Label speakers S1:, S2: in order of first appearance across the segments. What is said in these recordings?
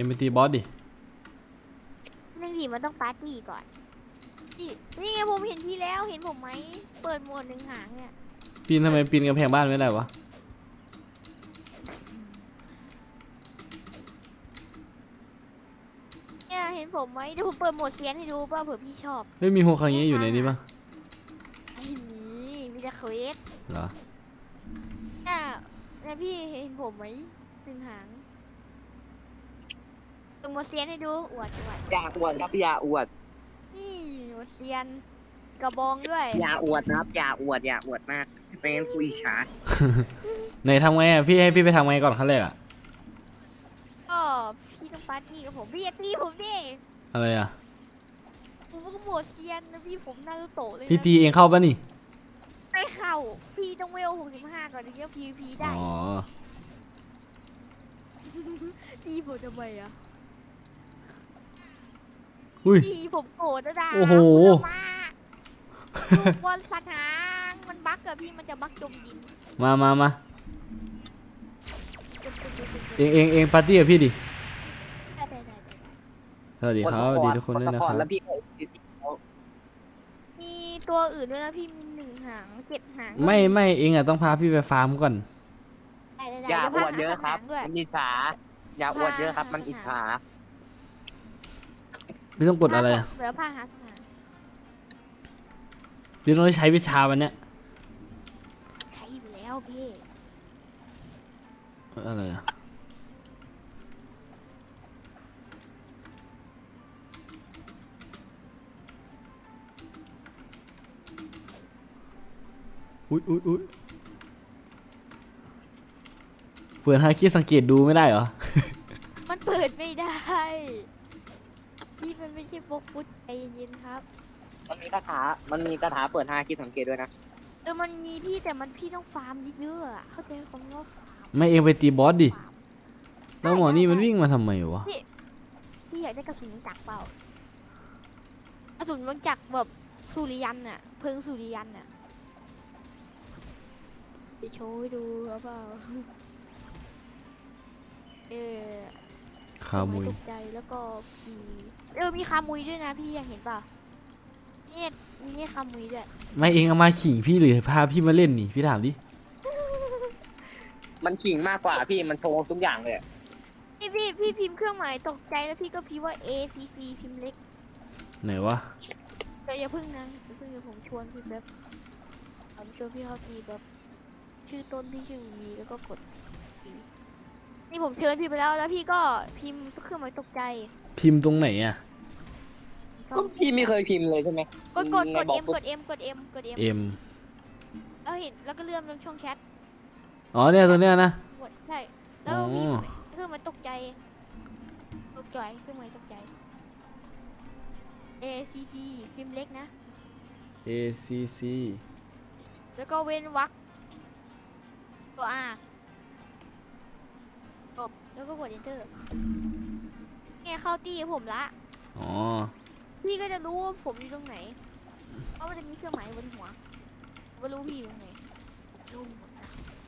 S1: งไปตีบอสดิ
S2: หนึ่งทีมันต้องปาร์ตี้ก่อนนี่ไงผมเห็นพี่แล้วเห็นผมไหมเปิดโหมดหนึ่งหางเนี่ย
S1: ปีนทำไมปีนกำแพงบ้านไม่ได้วะ
S2: เนี่ยเห็นผมไหมเดี๋ยวผมเปิดโหมดเซียนให้ดูป่ะเผื่อพี่ชอบ
S1: ไม่มีโฮคังเงะอยู่ในนี้ปะ
S2: ไอ้นี่มีแต่เควส
S1: เหรอ
S2: เนี่ยพี่เห็นผมไหมหนึ่งหางเปิดโหมดเซียนให้ดูอวด
S3: อย่าอวดครับอย่าอวด
S2: นี่โหมดเซียนกระบองด้วย
S3: อย่าอวดนะครับอย่าอวดมากไม่งั้นคุยฉา
S1: ไหนทำไงอ่ะพี่ให้พี่ไปทำไงก่อนขั้นแรกอ่ะ
S2: ก็พี่ต้องปาร์ตี้กับผมพี่อย่าตีผมดิ
S1: อะไรอ่ะ
S2: ผมก็โหมดเซียนนะพี่ผมนารูโตะเลยนะ
S1: พี่ตีเองเข้าปะนี่
S2: ไม่เข้าพี่ต้องเวล65ก่อนถึงจะ PVP ได้
S1: อ๋อ
S2: ตีผมทำไมอ่ะ
S1: อุ้ย
S2: ตีผมโกรธนะดา
S1: โอ้โห
S2: ลูกบอลสัตว์หางมันบั๊กอะพี่มันจะบั๊กจมดิน
S1: มาเองปาร์ตี้กับพี่ดิสวัสดีครับสวัสดีทุกคนด้วยนะครับ
S2: มีตัวอื่นด้วยนะพี่มี1 หาง 7 หาง
S1: ไม่เองอ่ะต้องพาพี่ไปฟาร์มก่อน
S3: อย่าอวดเยอะครับมันอิจฉาอย่าอวดเยอะครับมันอิจฉา
S1: พี่ต้องกดอะไรอ่ะ
S2: เดี๋ยวพาหาสถาน
S1: พี่ต้องใช้วิชาวันเนี้ย
S2: ใช้อยู่แล้วพี่
S1: อะไรอ่ะอุ๊ยเปิดฮาคิสังเกตดูไม่ได้เหรอ
S2: มันเปิดไม่ได้พี่มันไม่ใช่โปกฟุตใจเย็นๆครับ
S3: มันมีคาถาเปิด5คิดสังเกตด้วยนะ
S2: มันมีพี่แต่มันพี่ต้องฟาร์มเยอะๆเข้าใจคำว่าฟาร์ม
S1: ไม่เองไปตีบอสดิแล้วหมอนี่มันวิ่งมาทำไมวะ
S2: พี่อยากได้กระสุนจักรเปล่ากระสุนมันจักรแบบสุริยันน่ะเพิงสุริยันน่ะไปโชว์ให้ดูหรือเปล่า
S1: คามุย
S2: ตกใจแล้วก็พีมีคามุยด้วยนะพี่อยากเห็นเปล่าเนี่ยมีเนี่ยคามุยด้วย
S1: ไม่เองเอามาขิงพี่หรือพาพี่มาเล่นนี่พี่ถามดิ
S3: มันขิงมากกว่าพี่มันโชว์ทุกอย่างเลย
S2: พี่พิมพ์เครื่องหมายตกใจแล้วพี่ก็พิมพ์ว่า ACC พิมพ์เล็ก
S1: ไหนวะ
S2: อย่าพึ่งนะอย่าพึ่งเดี๋ยวผมชวนพี่แบบผมชวนพี่เข้าทีแบบชื่อต้นพี่ชื่อวีแล้วก็กดนี่ผมเชิญพี่ไปแล้วพี่ก็พิมพ์เครื่องหมายตกใจ
S1: พิมพ์ตรงไหนอ่ะ
S3: ก็พี่ไม่เคยพิมพ์เลยใช่ไหม
S2: กด M แล้วเห็นแล้วก็เลื่อนลงช่องแชท
S1: อ๋อเนี่ยตัวเนี้ยนะ
S2: ใช่แล้วพี่เครื่องหมายตกใจเครื่องหมายตกใจ ACC พิมพ์เล็กนะ
S1: ACC
S2: แล้วก็เว้นวรรคตัว R จบแล้วก็กด Enter เนี่ยเข้าตีผมละ
S1: อ๋อ
S2: พี่ก็จะรู้ว่าผมอยู่ตรงไหนเพราะมันจะมีเครื่องหมายบนหัวว่ารู้พี่อยู่ตรงไหนรู้หมดนะ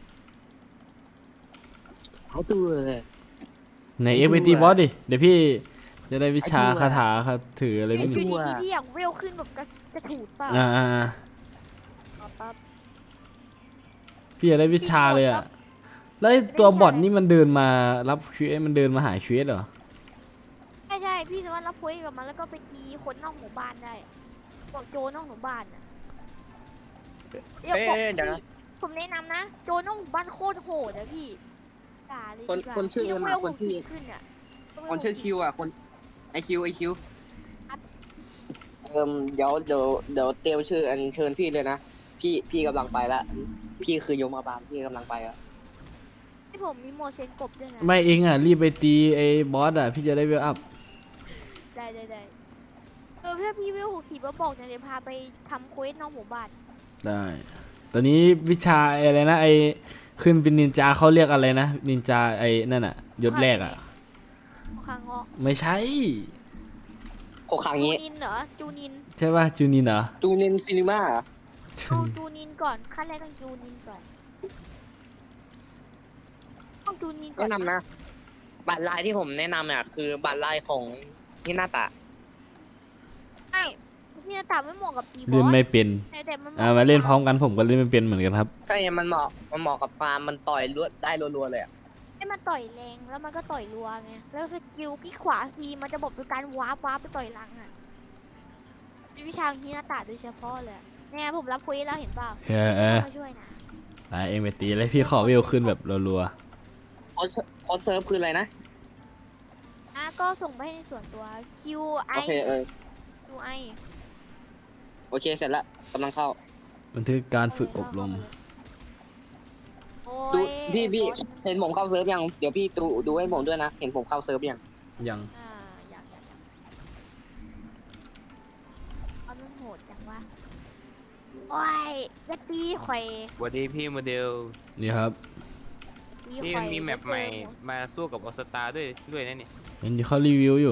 S3: เอาตัว
S1: ไหนเอ็กไปตีบอสดิเดี๋ยวพี่จะได้วิชาคาถาครับถืออะไรไม่รู้
S2: พี่อยากเวลขึ้นแบบกระถูดเปล่าปั๊บ
S1: พี่อยากได้วิชาเลยอ่ะแล้วตัวบอทนี่มันเดินมารับเควสมันเดินมาหาเควสเหรอ
S2: ใช่พี่สามารถรับเควสกับมันแล้วก็ไปตีคนนอกหมู่บ้านได้บอกโจนอกหมู่บ้านอ่ะเดี๋ยวผมแนะนำนะโจนอกหมู่บ้านโคตรโหดนะพี่ด่าเลย
S3: คนชื่อ
S2: คนที่ขึ้นอ่ะ
S3: คนชื่อคิวอ่ะคนไอคิวเดี๋ยวเตรียมชื่ออันเชิญพี่เลยนะพี่กำลังไปละพี่คือยมบาลพี่กำลังไปละ
S2: ที่ผมมีโมเซนกบด้วยนะ
S1: ไม่เองอ่ะรีบไปตีไอ้บอสอ่ะพี่จะได้เวลอัพ
S2: ได้ถ้าพี่เวล60แล้วบอกนะเดี๋ยวพาไปทำเควสนอกหมู่บ้าน
S1: ได้ตอนนี้วิชาอะไรนะไอ้ขึ้นเป็นนินจาเขาเรียกอะไรนะนินจาไอ้นั่นอ่ะยศแรกอ่ะ
S2: คางอ
S1: ไม่ใช่
S3: โคคังนี้
S2: จูนินเหรอจูนิน
S1: ใช่ป่ะจูนินเหรอ
S3: จูนินซีนีมา
S2: เอาจูนินก่อนขั้นแรกต้องจูนินก่อนต้องจูนินก่อน
S3: แนะนำนะบัตรลายที่ผมแนะนำเนี่ยคือบัตรลายของฮินาตะ
S2: ใช่พี่จะตัดไม่เหมาะกับตีบอ
S1: เล่น
S2: ส
S1: ไม่เป็น
S2: แต่มัน
S1: มาเล่นพร้อมกันผมก็เล่นไม่เป็นเหมือนกันครับ
S3: ใช่มันเหมาะกับฟาร์มมันต่อยได้รัวๆเลยอะ
S2: ให้มันต่อยแรงแล้วมันก็ต่อยรัวไงแล้วสกิลพี่ขวาซีมันจะบอกเป็นการวาร์ปไปต่อยหลังอ่ะเป็นวิชาฮินาตะโดยเฉพาะเลยเนี่ยผมรับคุยแล้วเห็นเปล่า มาช่วยนะ
S1: ตายเองไปตีเลยพี่ขอวิวขึ้นแบบรัว
S3: โค้ดเซิร์ฟคืออะไรนะ
S2: ก็ส่งไปให้ในส่วนตัว
S3: โอเค
S2: QI
S3: โอเคเสร็จแล้วกำลังเข้า
S1: ๆบันทึกการฝึกอบรม
S2: โอ้
S3: ดู
S2: ย
S3: พี่เห็นผมเข้าเซิร์ฟยังเดี๋ยวพี่ดูให้ผมด้วยนะเห็นผมเข้าเซิร์ฟยัง
S1: ยัง
S2: อยากเอามันโหดจังวะโอ้ยจะตีข่อย
S4: สวัสดีพี่โมเดล
S1: นี่ครับ
S2: ตี
S4: พี่
S2: ข่
S4: มั
S2: อย
S4: นมีแมปใหม่มาสู้กับออสตาด้วยนะนี่
S1: เห็นที่เขารีวิวอยู่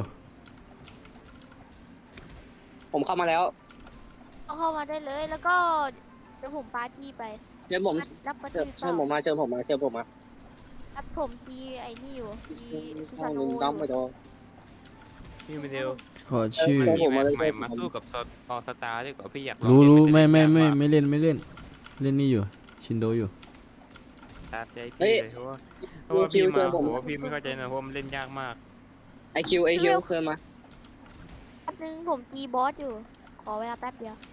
S3: ผมเข้ามาแล้ว
S2: เอาเข้ามาได้เลยแล้วก็เดี๋ยวผมปาร์ตี้ไป
S3: เชิญผม
S2: รับปาร์
S3: เชิ
S2: ตี้
S3: ญเชิญผมมาเชิญผมมา
S2: รับผมตีไอ้นี่อยู่ตีซู
S3: ห้อ
S2: ซาง โน
S3: ลืม
S2: อ
S3: ด้อมไป
S2: ยู่
S3: โด
S4: พี่โมเดล
S1: ขอชื่อ
S3: เออ
S4: มีแม
S3: มา
S4: ป
S3: เลย
S4: ใหม่
S3: ผม
S4: มาสู้กับออสตาด้วยกว่าพี่อยากลอง
S1: รู้
S4: เล่น
S1: รู้
S4: นจะ
S1: ไม่
S4: ด้ยากกว่า
S1: ไม่เล่นเล่นนี่อยู่ชินโดอยู่
S4: ตามใจพี่เลยเพราะว่าพี่มาโหพี่ไม่เข้าใจนะเพราะมันเล่นยากมาก
S3: ไอคิวเชิญมา
S2: แป๊บนึงผมตีบอสอยู่ ขอเวลาแป๊บเดียว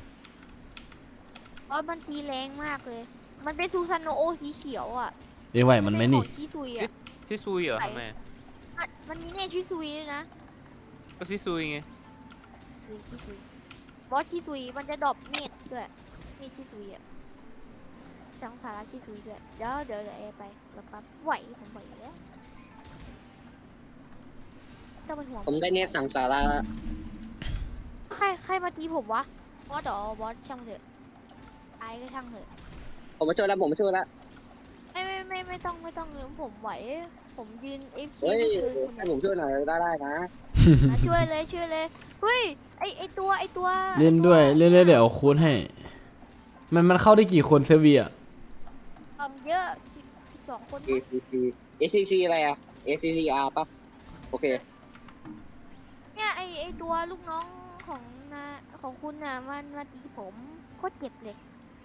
S2: บอสมันตีแรงมากเลย มันเป็นซูซานโนโอสีเขียวอ่ะ
S1: เอ้ยไหวมันไหมนี่
S2: เป็ของชิซุยอ่ะ
S4: ที่ซุยเหรอทำไม
S2: มันมีเน่ชิซุยด้วยนะ
S4: ก็ที่ซุยไง
S2: ชิซุยบอสชิซุยมันจะดรอปเนตด้วยเนตชิซุยอ่ะสังสาราชิซุยด้วยเดี๋ยวเอไปแล้วปั๊บไหวผมไหวอยู่แล้วต้องเป็นห่วง
S3: ผมได้เนตสั่งสารา
S2: ใครมาตีผมวะบอสเหรอบอสช่างเถอะไอ้ก็ช่างเถอะ
S3: ผมมาช่วยแล้ว
S2: ไม่ต้องเลยผมไหว ผมยืนเอฟ
S3: เฮ้ย
S2: คือ
S3: ให้ผมช่วยหน่อยได้นะ
S2: ช่วยเลยเฮ้ยไอตัว
S1: เล่นด้วยเล่นเดี๋ยวเอาคูณให้ มันเข้าได้กี่คนเซเวีย
S2: เยอะ12 คน
S3: ACC อะไรอะ ACCR ปะโอเค
S2: เนี่ยไอตัวลูกน้องของคุณน่ะมันมาตีผมโคตรเจ็บเลย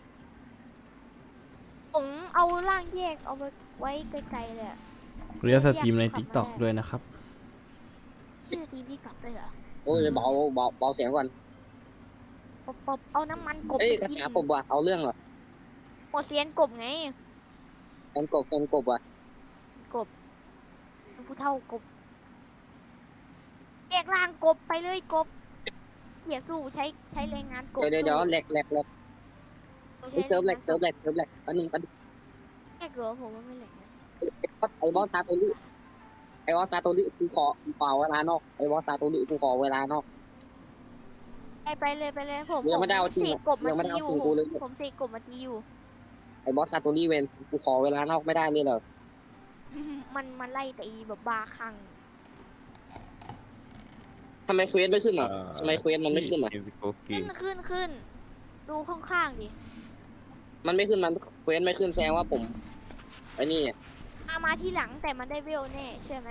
S2: ผมเอาร่างแยกเอาไว้ไกลๆเลยอะ
S1: เรียกสตรีมใน TikTok ด้วยนะครับ
S2: ที่สตรีมที่กลับเลยเหรอ
S3: โอ้ยเบาเสียงก่อน
S2: ปบเอาน้ำมันกบ
S3: เอ้ย
S2: ไป
S3: คา
S2: กิน
S3: ถาผมว่ะเอาเรื่องเหรอ
S2: หมดเซียนกบไง
S3: เป็นกบว่ะ
S2: ผู้เท่ากบแยกร่างกบไปเลยกบเขี่ยสู้ใช้แรงงานกบ
S3: เดี๋ยวแหลกเซิร์ฟแหลกอันนึง
S2: แยกเหรอผมว่าไม่แหลกนะ
S3: ไอบอสซาโตริกูขอเวลานอกไอบอสซาโตริกูขอเวลานอก
S2: ไปเลยผม
S3: ยังไม่ได้เอาจริง
S2: เสกกบมา
S3: ยังไม่ได้
S2: ตี
S3: เอา
S2: อยู่
S3: จริงกูเลย
S2: ผมเสกกบมาตีอยู่
S3: ไอบอสซาโตริเวนกูขอเวลานอกไม่ได้เลยเหรอ
S2: มันไล่ตีแบบบาคลัง
S3: ทำไมเควสไม่ขึ้นอ่ะทำไมเควสมันไม่ขึ้นอ่ะ
S4: โอเค
S2: ขึ้นดูข้างๆดิ
S3: มันไม่ขึ้นมันเควสไม่ขึ้นแสดงว่าผมไอ้นี่
S2: มาที่หลังแต่มันได้เวลแน่เชื่อไหม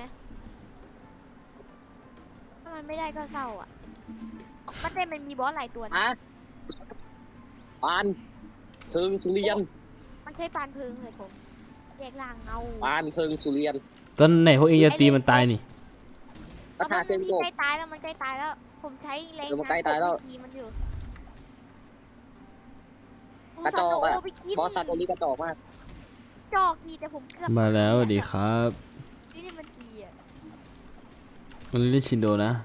S2: ถ้ามันไม่ได้ก็เศร้าอ่ะมันได้มันมีบอสหลายตัวนะ
S3: อะปานเพิงสุริยัน
S2: มันใช้ปานพึงเลยผมแยกล่างเงา
S3: ปานเพิงสุริยัน
S1: ตอนไหนพวกเองจะตีมันตายนี่
S3: กระถาเส้น
S2: มัน
S3: โกบ
S2: ใกล้ตายแล้วมันใกล้ตายแล้ว ผมใช้แรง
S3: เออมันใกล้ตายแล้ว
S2: ตีมันอยู่
S3: กระจอกอะ
S2: ไปกิน
S3: บอสซาโตริกระจอกมาก
S2: จอกดีแต่ผมเกือบ
S1: มาแล้วสวัสดีครับ
S2: นี่มันดีอ่ะ
S1: มันเล่นชินโดนะ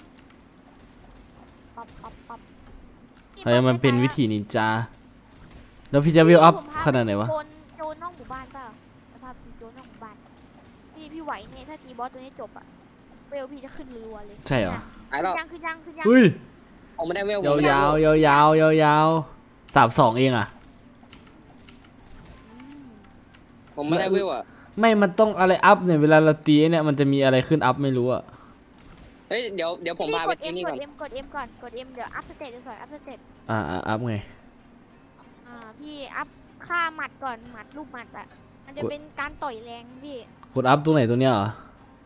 S2: ปั๊บ
S1: ใครมันเป็นวิธีนินจา แล้วพี่จะวิวอัพขนาดไหนวะ
S2: โจนนอกหมู่บ้านเปล่าสภาพตีโจนนอกหมู่บ้านพี่ไหวเนี่ยถ้าตีบอสตัวนี้จบอ่ะเวลพี่จะขึ้นรัวๆเลย
S1: ใช่เหรอ
S3: หายแล้ว
S2: ขึ้นยัง
S1: เฮ้ย
S3: ผมไม่ได้เวล
S1: ยาว32เองอ่ะ
S3: ผมไม่ได้เวลอ่ะ
S1: ไม่ มันต้องอะไรอัพเนี่ย เวลาเราตีเนี่ย มันจะมีอะไรขึ้นอัพไม่รู้อ่ะ
S3: เฮ้ยเดี๋ยวผมพาไปที่นี่ก่อน
S2: กด M ก่อนกด M เดี๋ยวอัพสเตตจะสอนอัพสเตต
S1: อัพไง
S2: พี่อัพค่าหมัดก่อนหมัดรูปหมัดอ่ะมันจะเป็นการต่อยแรงพี่
S1: กดอัพตรงไหนตัวเนี้ยเหรอ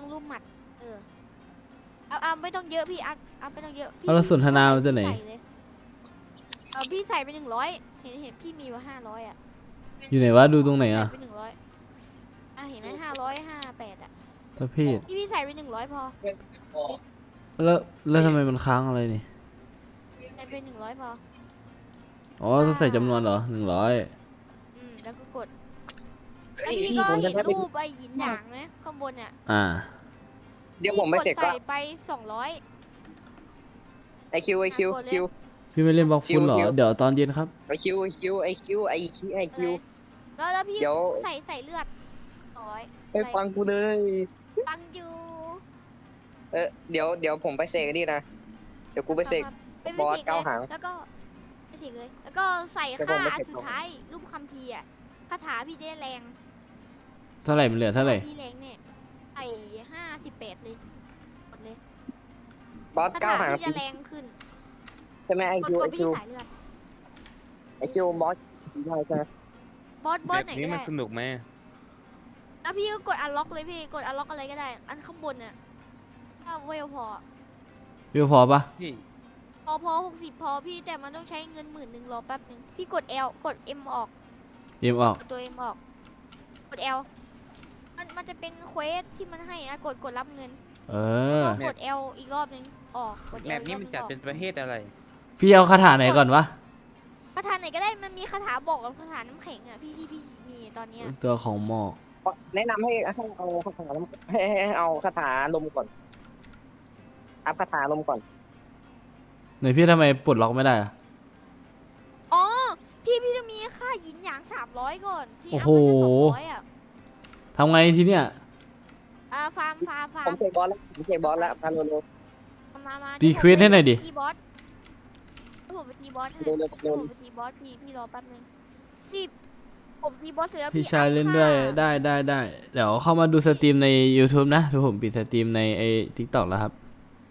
S2: รูปหมัดเอาไม่ต้องเยอะพี่เอาไม่ต้องเยอะพี่
S1: เอาแล้วสนทนามาจากไหน
S2: พี่ใส่เลยพี่ใส่ไป100เห็นพี่มีว่า500อ่ะ
S1: อยู่ไหนวะดูตรงไหนอ่ะ
S2: ใส่ไป100เห็นไหม558อ่ะ
S1: ประเภท
S2: พี่ใส่ไป100พอ
S1: แล้วทำไมมันค้างอะไรนี่
S2: ใส่ไป100พอ
S1: อ๋อต้องใส่จำนวนเหรอ100
S2: แล้วก็กด
S3: เฮ้
S2: แล้ว
S3: ย
S2: พี่
S3: พี่
S2: ก็
S3: ผมจะ
S2: เห็น
S3: ได้ไป
S2: รูปไอ้หยินหยางไหมข้างบนเนี่ย
S3: เดี๋ยวผมไปเสร็จ
S2: พี่กด
S3: ก็
S2: ใส่ไป200
S3: ไอคิวไอคิว
S2: กดเลย
S3: คิว
S1: พี่ไม่เล่นบล็อกฟุตเหรอ
S3: คิว
S1: เดี๋ยวตอนเย็นครับ
S3: ไอคิวไอคิวไอคิวไอคิวไอคิว
S2: แล้วพี่
S3: เดี๋ยว
S2: ใส่เลือด200
S3: ไปฟังกูเลย
S2: ฟังอยู่
S3: เดี๋ยวผมไปเสกนี่นะเดี๋ยวกูไปเสก
S2: ไป
S3: บอส
S2: สก
S3: เก้าหาง
S2: แล้วก็ไปเสกเลย แล้วก็ใส่
S3: เดี๋ยวผมไป
S2: ค่าอั
S3: เส
S2: น
S3: ก
S2: สุดท้ายรูปคัมภีร์อ่ะคาถาพี่ได้แรง
S1: เท่าไหร่มันเหลือเท่าไหร่
S2: พี่แรงเนี่ยใส่58เลยกดเลย
S3: บอส
S2: คา
S3: เก้า
S2: ถา
S3: หาง
S2: พี่จะแรงขึ้น
S3: ใช่ไหมไอก
S2: ด
S3: คิว
S2: ก
S3: ไอ
S2: ดไป
S3: คิ
S2: ที่
S3: ว
S2: สายเลือด
S3: ไอคิวบอสได้ใช่ไหม
S2: บอส
S4: แบบ
S2: ไหน
S4: นี้
S2: ก็
S4: มัน
S2: ได้
S4: สนุกไหม
S2: แล้วพี่ก็กดอันล็อกเลยพี่กดอันล็อกอะไรก็ได้ อันข้างบนเนี่ยถ้าเวลพอ
S1: พี่พอปะ
S4: พี่
S2: พอ60พอพี่แต่มันต้องใช้เงิน10,000รอแป๊บนึงพี่กด L กด M ออก
S1: เอ็มออก
S2: กดตัว M ออกกด L มันจะเป็นเควสที่มันให้อะกดรับเงิน
S1: เอ
S2: แล้ว
S1: อ
S2: ก็กด L อีกรอบนึงออกกด L
S4: แบบนี้มันจัดเป็นประเภทอะไร
S1: พี่เอาคาถาไหนก่อนวะ
S2: คาถาไหนก็ได้มันมีคาถาบอกกับคาถาน้ำแข็งอ่ะพี่ที่พี่มีตอนเนี้ย
S1: ตัวของหมอก
S3: แนะนำให้เอาคาถาให้เอาคาถาลมก่อนอัพคาถาลมก่อน
S1: ไหนพี่ทำไมปลดล็อกไม่ได้อะ
S2: อ๋อพี่ต้องมีค่าหยินหยาง300ก่อนพี่
S1: โอ้
S2: อัพ
S1: โห
S2: ไปได้200อ่ะ
S1: ทำไงทีเนี้ย
S2: ฟาร์ม
S3: ผมเสกบอสแล้วผมเสกบอสแล้วมาเร็ว
S2: มา
S1: ตีเควสให้หน่อยดิ
S2: ตีบอสผมไปตีบอสให้
S3: เร็วเร็วเร็ว
S2: ผมไปตีบอสพี่รอแป๊บนึงพี่ผมตีบอสเสร็จแล้ว
S1: พี่
S2: พี่
S1: ชาย
S2: อัพ
S1: เล่นด้วย
S2: ค่า
S1: ได้เดี๋ยวเข้ามาดูสตรีมใน YouTube นะเดี๋ยวผมปิดสตรีมในไอ้ TikTok แล้วครับ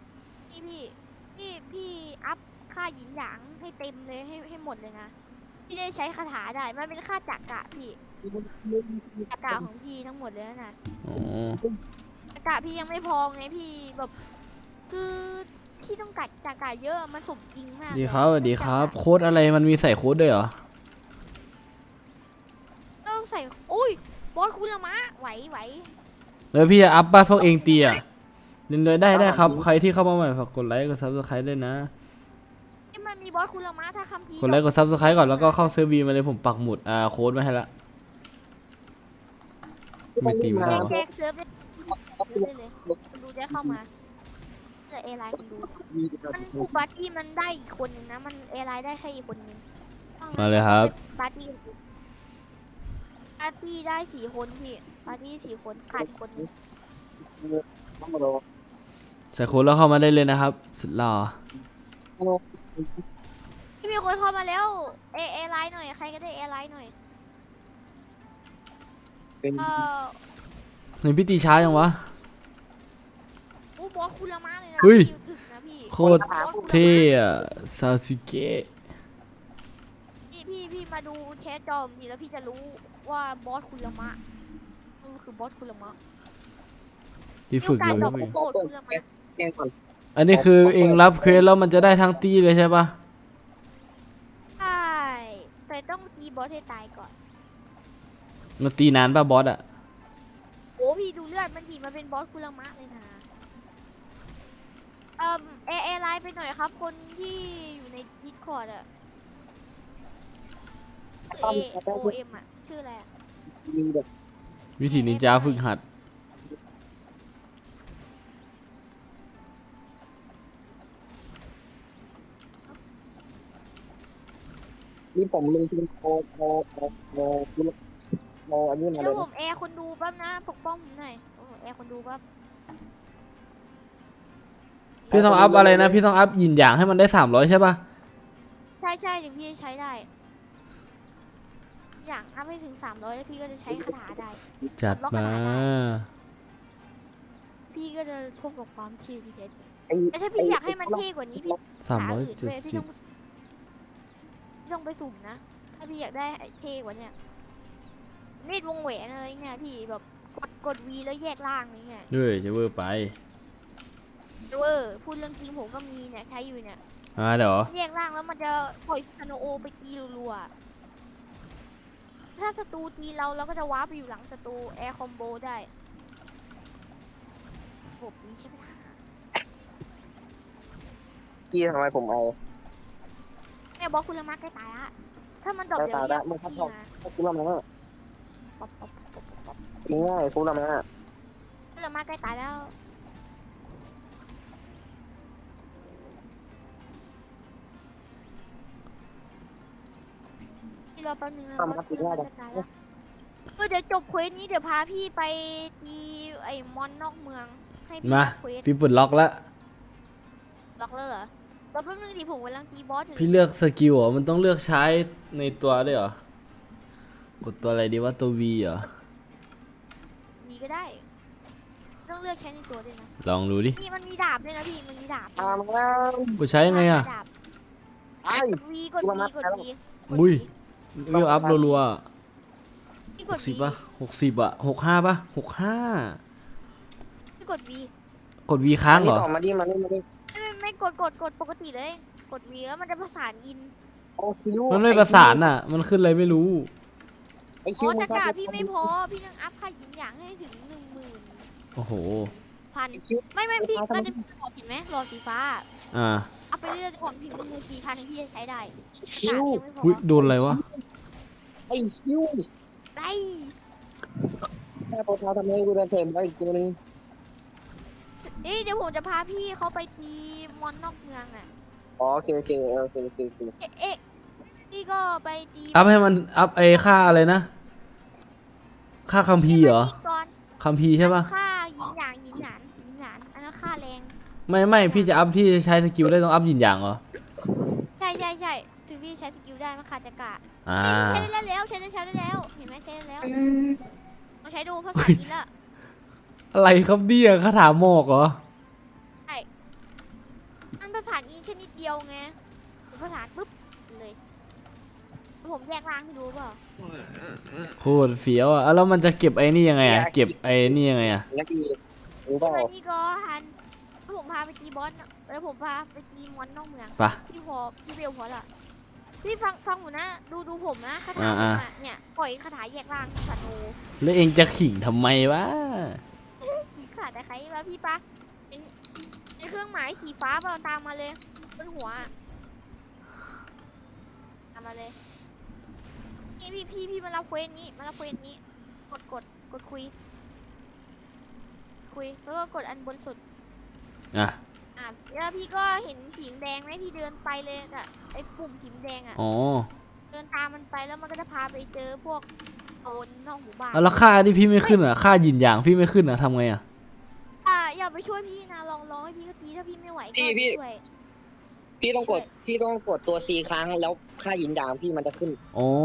S2: พี่อัพค่าหยินหยางให้เต็มเลยให้หมดเลยนะพี่ได้ใช้คาถาได้มันเป็นค่าจักระพี่จักระของพี่ทั้งหมดเลยนะ
S1: อ๋อ
S2: จักระพี่ยังไม่พอไงพี่แบบคือพี่ต้องกัดจักระเยอะมันสมจริงมาก
S1: ดีครับสวัสดีครับ โค้ดอะไรมันมีใส่โค้ดด้วยเหรอ
S2: ต้องใส่อุ้ยบอสคุณละมะไหว
S1: แล้วพี่จะอัพบ้านพวกเองตีอ่ะเล่นเลยได้ครับ ใครที่เข้ามาใหม่ฝากกดไลค์กด Subscribe ด้วยนะ
S2: ที่มันมีบอสคุณละมะถ้าคัมภีร์
S1: กดไลค์กด Subscribe ก่อนแล้วก็เข้าเซิร์ฟวีมาเลยผมปักหมุดโค้ดมาให้ละ ไม่ตีไม่ได้หรอ
S2: แจกเซิร์ฟได้เลยคนดูได้เข้ามาเจอเอไลน์คนดูมันคูปาร์ตี้มันได้อีกคนนึงนะมันเอไลน์ได้แค่อีกคนนึง
S1: มาเลยครับ
S2: ปาร์ตี้ได้4 คนพี่ปาร์ตี้4 คนขาดอีกคนนึง
S1: ใส่โค้ดแล้วเข้ามาได้เลยนะครับ สุดหล่อ
S2: พี่มีคนเข้ามาแล้วเอไลน์หน่อยใครก็ได้เอไลน์หน่อยเออ
S1: เห็นพี่ตีช้าจังวะ
S2: อู้บอสคุณละมะเลยนะ
S1: เฮ้ย
S2: พี่ถึกนะพี่
S1: โคตรเท่อะซาสึเกะ
S2: พี่มาดูแคสจอมดีแล้วพี่จะรู้ว่าบอสคุณละมะมันคือบอสคุณละมะ
S1: ที่ฝึกอยู่
S2: ดอก
S1: พี่
S2: โกรธคุณละมะ
S3: แกงก่อน
S1: อันนี้คือเองรับเควสแล้วมันจะได้ทั้งตีเลยใช่ปะ
S2: ใช่แต่ต้องตีบอสให้ตายก่อน
S1: มันตีนานป่ะบอสอะ
S2: โอ้พี่ดูเลือดมันดีมาเป็นบอสคุณละมะเลยนะเอไลน์ไปหน่อยครับ คนที่อยู่ในดิสคอร์ดอะโอเอ็มอะชื่ออะไรอะ
S3: มีแบบ
S1: วิธีนินจาฝึกหัด
S3: นี่ผมลงทุนโมอันนี้มา
S2: เดี๋
S3: เลย
S2: วย ผมแอร์คนดูแป๊บนะปกป้องผมหน่อยแอร์คนดูแป๊บ
S1: พี่ต้องอัพอะไรนะ พี่ต้องอัพหยินหยางให้มันได้300ใช่ปะ
S2: ใช่ถึงพี่จะใช้ได้ อย่างอัพให้ถึง300แล้วพี่ก็จะใช้คาถาได้
S1: จัดมา
S2: พี่ก็จะพบกับความเท่ที่แท้จริง
S3: ไอ้
S2: แต่ถ้าพี่อยากให้มันเท่กว่านี้พี่หาอื่นด้วยพี่
S1: 370
S2: ต้องไปสุ่มนะ ถ้าพี่อยากได้เท่กว่าเนี้ยมีดวงแหวนอะไรเงี้ยพี่แบบกกด V แล้วแยกล่างนี่ไง
S1: ด้วยจะเวอร์ไป
S2: พูดเรื่องจริงผมก็มีเนี่ยใช้อยู่เนี่ย
S1: เดี๋ยว
S2: แยกล่างแล้วมันจะปล่อยคาโนโอไปตีรัวๆถ้าศัตรูตีเราก็จะว้าร์ปไปอยู่หลังศัตรูแอร์คอมโบได้ระบบนี้ใช่ไหมล่ะ
S3: พี่ทำไมผมเอา
S2: แม่บอกคุณละมาใกล้ตายละถ้ามันดรอปเดี๋ยว
S3: ตาย
S2: เรีย
S3: ละ
S2: ก
S3: มึงครับ
S2: พี่
S3: ผม
S2: นะ
S3: ฟูละมา
S2: ป๊อปป๊อปป๊อปป๊อปป๊อป
S3: ง่ายฟูละมา
S2: คุณละมาใกล้ตายแล้วพี่รอแป๊บนึงนะบอสคุณละมาใกล้ตายแล้วเดี๋ยวจบเควสนี้เดี๋ยวพาพี่ไปตีไอ้มอนนอกเมืองให้พี่
S1: มา
S2: รับเควส
S1: พี่ปลดล็อกแล้ว
S2: ล็อกเลยเหรอแล้วแป๊บนึงดิผมกำลังตีบอสอยู่
S1: พี่เลือกสกิลเหรอมันต้องเลือกใช้ในตัวด้วยเหรอกดตัวอะไรดีว่าตัว V เหรอ
S2: มีก็ได้ ต้องเลือกใช้ในตัวด้วยนะ
S1: ลองดูดิ
S2: นี่มันมีดาบด้วยนะพี่มันมีดาบ
S3: ตามมา
S1: กูใช้ยังไงอะ
S2: ดาบ
S3: ไอ้
S2: กด V กด V กด V
S1: อุ้ย เวลอัพรัว
S2: พี่
S1: ๆ
S2: ก
S1: ห
S2: ด
S1: ก
S2: V
S1: สิบป่ะ60อะ65ป่ะ65
S2: พี่กด V
S1: กด V ค้างเหรอ
S3: มาดิมาดิมาดิ
S2: ไม่กดปกติเลย กด V แล้วมันจะประสานอิน
S3: โอ้คิว
S1: มันไม่ประสานอะมันขึ้นอะไรไม่รู้
S3: ไอ้คิ
S2: อ๋
S3: ว
S2: อจักรพี่ไม่พอ พี่ต้องอัพค่าหยินอย่างให้ถึง
S1: โอ้โห
S2: 10,000
S3: คิว
S2: ไม่พี่มันจะมีหลอดเห็นไหมหลอดสีฟ้า
S1: อ่า
S2: อัพไปเรื่อยๆก่อนถึง14,000พี่จะใช้ได้
S3: คิว
S2: ยังไม่พอ
S1: อุ้ยโดนอะไรวะ
S3: ไอ้คิว
S2: ได้
S3: แค่โปรเท้าทำให้กูจะเสริมไปอีกตัวนึง
S2: เดี๋ยวผมจะพาพี่เขาไปตีมอนนอกเมืองอ่ะ
S3: อ๋อโอเคโอเคโอเคโอเคโอเค
S2: พี่ก็ไปตี
S1: อัพให้มันอัพไอ้ค่าอะไรนะ ค่าคัมภีร์เหรอ
S2: ก่อน
S1: คัมภีร์ใช่ป่ะ
S2: ค่าหยินหยางอันนั้นค่าแรง
S1: ไม่พี่จะอัพที่ใช้สกิลได้ต้องอัพยินอย่างเหรอ
S2: ใช่ถึงพี่ใช้สกิลได้มันขาดจักระ
S1: อ่า
S2: ใช้ได้แล้วใช้ได้แล้ว เห็นไหมใช้ได้แล้วลองใช้ดูภาษาจีนละ
S1: อะไรครับเนี่ยคาถาหมอกเหรอ
S2: มันภาษาอีนแค่นิดเดียวไงภาษาปุ๊บเลยผมแยกล่างให้ดูเปล่า
S1: โคตรเฟี้ยวอ่ะแล้วมันจะเก็บไอ้นี่ยังไงอ่ะ เก็บไอ้นี่ยังไงอ่ะ
S3: แล้วดีรู้เปล่า
S2: อันนี้ก็ฮันผมพาไปตีบอสแล้วผมพาไปตีมอนนอกเมือง
S1: ไปะ
S2: พี่เบลพอละพี่ฟังผมนะดูผมนะคาถา
S1: อ่า
S2: ผมอะเนี่ยปล่อยคาถาแยกล่างสาโน
S1: แล้วเองจะขิงทำไมวะ
S2: สีขาดแต่ใครแล้วพี่ปะเป็นเครื่องหมายสีฟ้าเปล่าตามมาเลยบนหัวอะตามมาเลยนี่พี่มารับเควสนี้กดคุยแล้วก็กดอันบนสุด
S1: อ่ะ
S2: แล้วพี่ก็เห็นสีแดงไหมพี่เดินไปเลยอะไอ้ปุ่มสีแดงอะ
S1: อ๋อ
S2: เดินตามมันไปแล้วมันก็จะพาไปเจอพวกโซนนอกหมู่บ้าน
S1: แล้วค่าที่พี่ไม่ขึ้นอ่ะ ค่ายินอย่างพี่ไม่ขึ้นอ่ะทำไงอ่ะ
S2: อย่าไปช่วยพี่นะลองให้พี่ก็ตีถ้าพี่ไม่ไหวก็
S3: พี่
S2: ช่วย
S3: พี่ต้องกดตัว C ครั้งแล้วค่ายินดามพี่มันจะขึ้น
S1: อ๋อ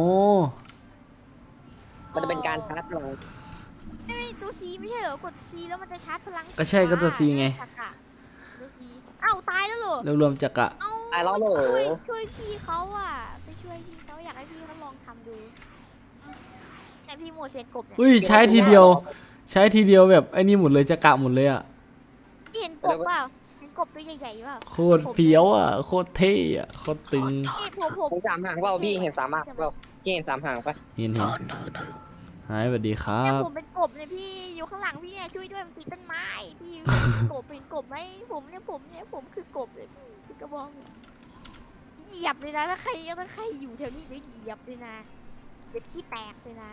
S3: มันจะเป็นการชาร์จพลัง
S2: ไม่ตัวซีไม่ใช่เหรอกดซีแล้วมันจะชาร์จพลัง
S1: ก็ใช่ก็ตัว C ไง
S2: ตัวซีอ้าวตายแล้วเหรอ
S1: รวมๆจักระ
S2: เอ้า
S3: ตายแล้วเหรอ
S2: ช่วยพี่เขาอ่ะไปช่วยพี่เขาอยากให้พี่เขาลองทำดูแต่พี่โมเสนกบเนี่ย
S1: อุ้ยใช้ทีเดียว ใช้ทีเดียวแบบไอ้นี่หมดเลยจักระหมดเลยอ่ะ
S2: พี่เห็นกบเปล่าเห็นกบตัวใหญ่ๆเปล่า
S1: โคตรเฟี้ยวอ่ะ โคตรเท่อ่ะ โคตรตึง
S2: นี่ผม
S3: เห็นสามหางเปล่าพี่เห็นสามหางเปล่าพี่เห็นสามหางปะ
S1: เห็นหายสวัสดีครั
S2: เนี่ย
S1: บ
S2: ผมเป็นกบเนี่ยพี่อยู่ข้างหลังพี่เนี่ยช่วยด้วยมันติดต้นไม้พี่กบเป็นกบไหมผมคือกบเลยพี่คือกระบองเนี่ยเหยียบเลยนะถ้าใครอยู่แถวนี้เดี๋ยวเหยียบเลยนะเดี๋ยวขี้แตกเลยนะ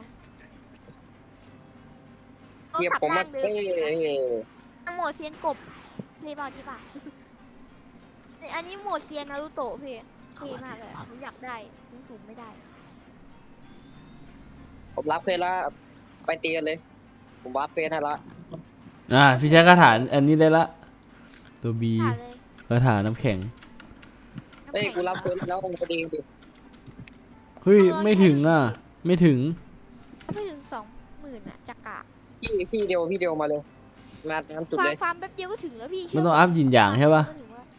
S3: เกียบผมมาเซ่
S2: โหมดเซียนกบเพย์บอลที่ป่ะอันนี้โหมดเซียนนารูโตะพี่เท่มากเลยผมอยากได้ยิงสูงไม่ได้
S3: ผมรับเพลแล้วไปตีกันเลย ผมวัดเพลให้ละ
S1: พี่ใช้คาถาอันนี้ได้ละ ตัวบี
S2: ผ่านเลย
S1: คาถาน้ำแข็ง
S3: เฮ้ยกูรับเพลแล้วมึงไปดีดิ
S1: เฮ้ย ไม่ถึงอ่ะ ไม่ถึง
S2: ไม่ถึง20,000อ่ะจักระ
S3: พี่เดียวมาเลยมาตามจุดเลย
S2: ฟาร์มแป๊บเดียวก็ถึงแล้วพี่
S1: มันต้องอัพยินอย่างใช่ปะ
S2: ก็ถึงว่า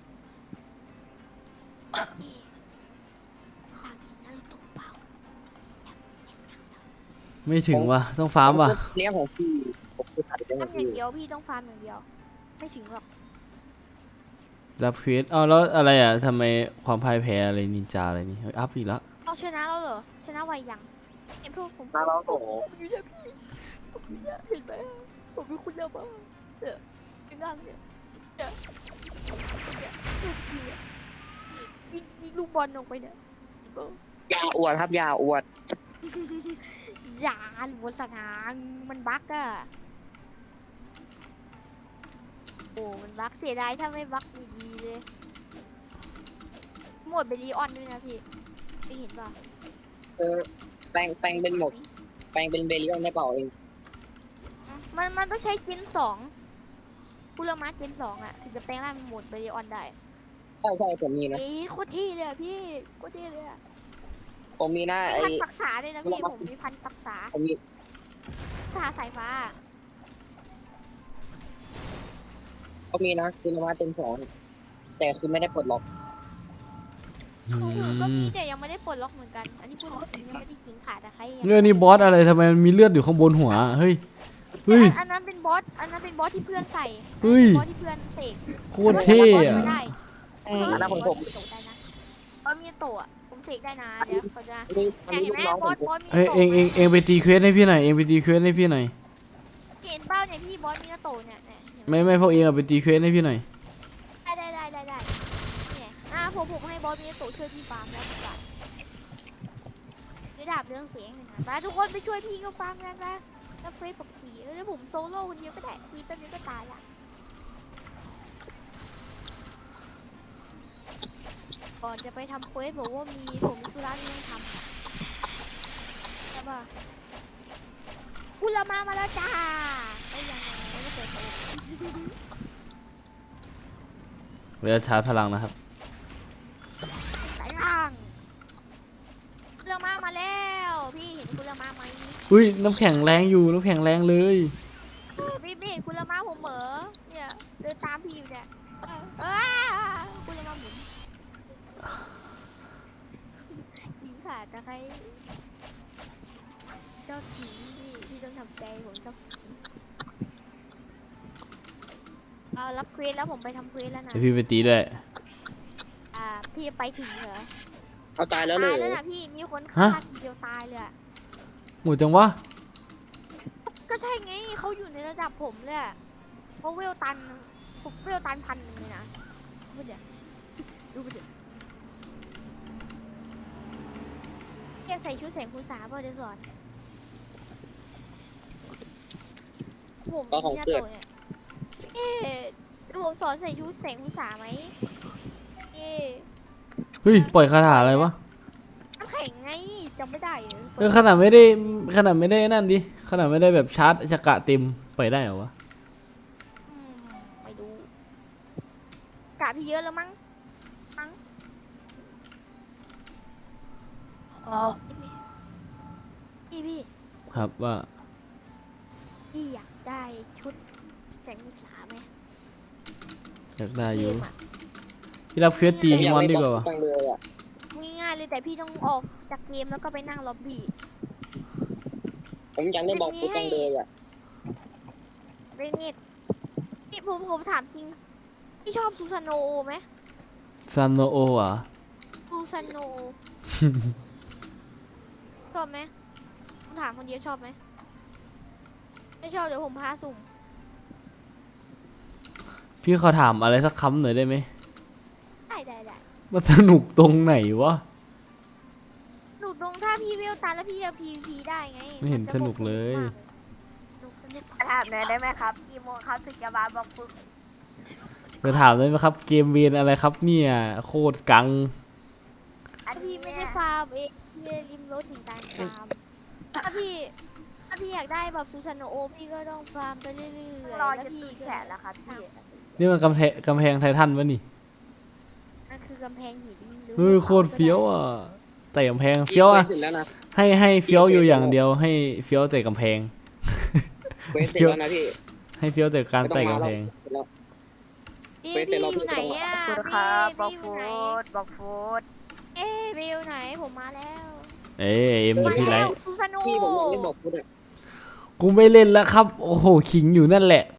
S2: ฝากเห็นนารูโตะเปล่า
S1: ไม่ถึงว่ะ ต้องฟาร์มว่ะ
S3: เลี้ยงของพี่ผคือตัดได้หมด
S2: ทำอย่างเดียวพี่ต้องฟาร์มอย่างเดียว ไม่ถึงหรอก
S1: รับเควสเอาแล้วอะไรอ่ะทำไมความพ่ายแพ้อะไรนินจาอะไรนี่เฮ้ยอัพอีกแล้ว
S2: เอาชนะเราเหรอชนะไวยังเอ็มพวกผม
S3: มาเราโต
S2: ผมอยู่เนี่ยพี่ผมอยู่เนี่ยเห็นไหมผมเป็นคุณเยอะมากเนี่ยเป็นร่างเนี่ยเนี่ยเนี่ยยิงลูกบอลออกไปเนี่ย
S3: ยาอวดครับยาอวด
S2: อย่าหรือบนสนามมันบั๊กอะโอ้มันบั๊กเสียดายถ้าไม่บั๊กดีๆเลยหมดเบลีออนด้วยนะพี่ได้เห็นป่ะ
S3: เออแปลงเป็นหมดแปลงเป็นเบลิออนได้เปล่าเอง
S2: มันต้องใช้เจนสองพูลมาเจนสองอะถึงจะแปลงร่างเป็นโหมดเบลีออนได้
S3: ใช่ผมมีนะ
S2: เอ้ยโคตรเท่เลยอะพี่โคตรเท่เลยอะ
S3: ผมมีนะ
S2: มี
S3: ไอ้
S2: พันปักษาด้วยนะพี่ผมมีพันปักษา
S3: ผมมี
S2: สาสายฟ้า
S3: เขามีนะคือมาเต็มสองแต่คือไม่ได้ปลดล็อก
S2: ของผมก็มีแต่ยังไม่ได้ปลดล็อกเหมือนกัน อันนี้พูดจริงยังไม่ได้ขิงขาดแต่ใคร
S1: เรื่องนี้บอสอะไรทำไมมันมีเลือดอยู่ข้างบนหัวเฮ้ยเฮ้ย
S2: อันนั้นเป็นบอสอันนั้นเป็นบอสที่เพื่อนใส่
S1: เฮ้ย
S2: บอสที่เพื่อนเสก
S1: โคตรเท่อะ
S2: ไม่ได้
S3: อันนั้นของผม
S2: โตได้นะบอสมีโตะผมเสกได้นะเดี๋ยวเขาจะ
S3: อันนี้
S2: เห็น
S3: ลู
S2: ไหม
S3: กน้อง
S2: บ
S3: ผ
S2: อ
S3: ม
S2: สบอสมี
S1: เฮ้ย
S2: โตะ
S1: เองไปตีเควสให้พี่หน่อยเองไปตีเควสให้พี่หน่อย
S2: เห็นเป้าเนี่ยพี่บอสมีโตะเนี่ยเนี่ยเห็นไหม
S1: ไม่พวกเองเอาไปตีเควสให้พี่หน่อย
S2: ได้เนี่ยผมให้บอสมีโตะช่วยพี่ฟาร์มแล้วดีกว่าได้ดาบเรื่องเสียงนะมาทุกคนไปช่วยพี่ก็ฟาร์มกันนะแล้วเฟซปกติแล้วผมโซโล่คนเดียวก็ได้พี่แป๊บนึงก็ตายละก่อนจะไปทำเควสผมว่าผมมีธุระที่ต้องทำอะใช่ป่ะคุณละมาแล้วจ้าไอ้ยังไงไม่เปิดโต๊ะ
S1: เวลาชาร์จพลังนะครับ
S2: สายล่างคุณละมาแล้วพี่เห็นคุณละมาไหม
S1: อุ้ยน้ำแข็งแรงอยู่น้ำแข็งแรงเลย
S2: พี่ไม่เห็นคุณละมาผมเหมอเนี่ยเดินตามพี่อยู่เนี่ยคุณละมาหมุนยิงขาดนะใครเจ้าขิงพี่ต้องทำใจผมเจ้าขิงเอารับเควสแล้วผมไปทำเควสแล้วนะ
S1: เดี๋ยวพี่ไปตีด้วย
S2: พี่ไปถึงเหรอ
S3: เอาตายแล้วเล
S2: ตาย
S3: ย
S2: แล้วนะพี่มีคนฆ่าทีเดียวตายเลยอะ
S1: หมูจังวะ
S2: ก็ใช่ไงเขาอยู่ในระดับผมเลยอะเพราะเวลตันผมเวลตัน1,000เลยนะดูไปเดี๋ยวดูไปเดี๋ยวแกใส่ชุดแสงคุณสาเปล่าเดี๋ยวสอนผมมีหน้าโตเนี่ยเอ๊ะเดี๋ยวผมสอนใส่ชุดแสงคุณสาไหมเอ๊ะ
S1: เฮ้ยปล่อยคาถาอะไรวะ
S2: น้ำแข็งไงจำไม่ได้เหรอ
S1: ขนาดไม่ได้นั่นดิขนาดไม่ได้แบบชาร์จชากะเต็มปล่อยได้เหรอวะ
S2: ไม่รู้กะพี่เยอะแล้วมั้งพี่
S1: ครับว่า
S2: พี่อยากได้ชุดแสงมุสาไหม
S1: อยากได้อยู่
S2: เกมอะ
S1: พี่รับเควสตีฮิมอนดีกว่าวะ
S3: จังเลยอ่ะ
S2: ง่ายๆเลยแต่พี่ต้องออกจากเกมแล้วก็ไปนั่งล็อบบี้
S3: ผมยังได้บอกฟุตจังเลยอ่ะ
S2: เรนเน็ตพี่ผมถามจริงพี่ชอบซูซานโนไหม
S1: ซันโนโออ่ะ
S2: ซูซานโน ชอบไหมผมถามคนเดียวชอบไหมไม่ชอบเดี๋ยวผมพาสุ่ม
S1: พี่ขอถามอะไรสักคำหน่อยได้ไหม
S2: ได้
S1: มันสนุกตรงไหนวะ
S2: หนูตรงถ้าพี่เวลตันแล้วพี่จะ PVP ได้ไง
S1: ไม่เห็นสนุกเลย
S2: ถามหน่อยได้ไหมครับกี่โมงครับถึงจะมาบอกฝึก
S1: จะถามได้ไหมครับ เกมเวนอะไรครับเนี่ยโคตรกัง
S2: อันพี่ไม่ได้ฟาร์มเองพี่ไม่ได้ริมรถถึงการฟาร์มถ้าพี่อยากได้แบบซูซานโนโอพี่ก็ต้องฟาร์มไปเรื่อยๆ
S5: รอ
S2: แล้ว
S5: จะ
S2: พี่
S5: ตื่นแขนแล้วครับพี่
S1: นี่มันกำแพงไททันวะนี่
S2: นั่นคือกำแพงหินหรือ
S1: เฮ้ยโคตรเฟี้ยวอ่ะแต่กำแพงเฟี้ยวอ่ะ
S3: เสร็จแล้วนะ
S1: ให้เฟี้ยวอยู่อย่างเดียวให้เฟี้ยวแต่กำแพง
S3: เควสเสร็จแล้วนะพี่
S1: ให้เฟี้ยวแต่การ
S3: ไม่ต้อ
S1: แต่
S3: งมาก
S1: ำ
S3: แล้
S1: แพ
S3: ว
S1: ง
S3: เสร็จแล้ว
S2: พี่
S3: ไปเสร็จแล้ว
S2: อยู่ไหนอ่ะ
S5: ขอบคุณ
S2: พี่
S5: ครับบอก
S2: อยู่
S5: ฟู
S2: ไหน
S5: ดบอกฟูด
S2: วิวไหนผมมาแล้ว
S1: เอ้ยเอ็มอยู่ที่ไร
S2: ซูซานโน
S3: พี่ผมยังไม่บอกฟุตอ่ะ
S1: โกูไม่เล่นแล้วครับ โอ้โหขิงอยู่นั่นแหละ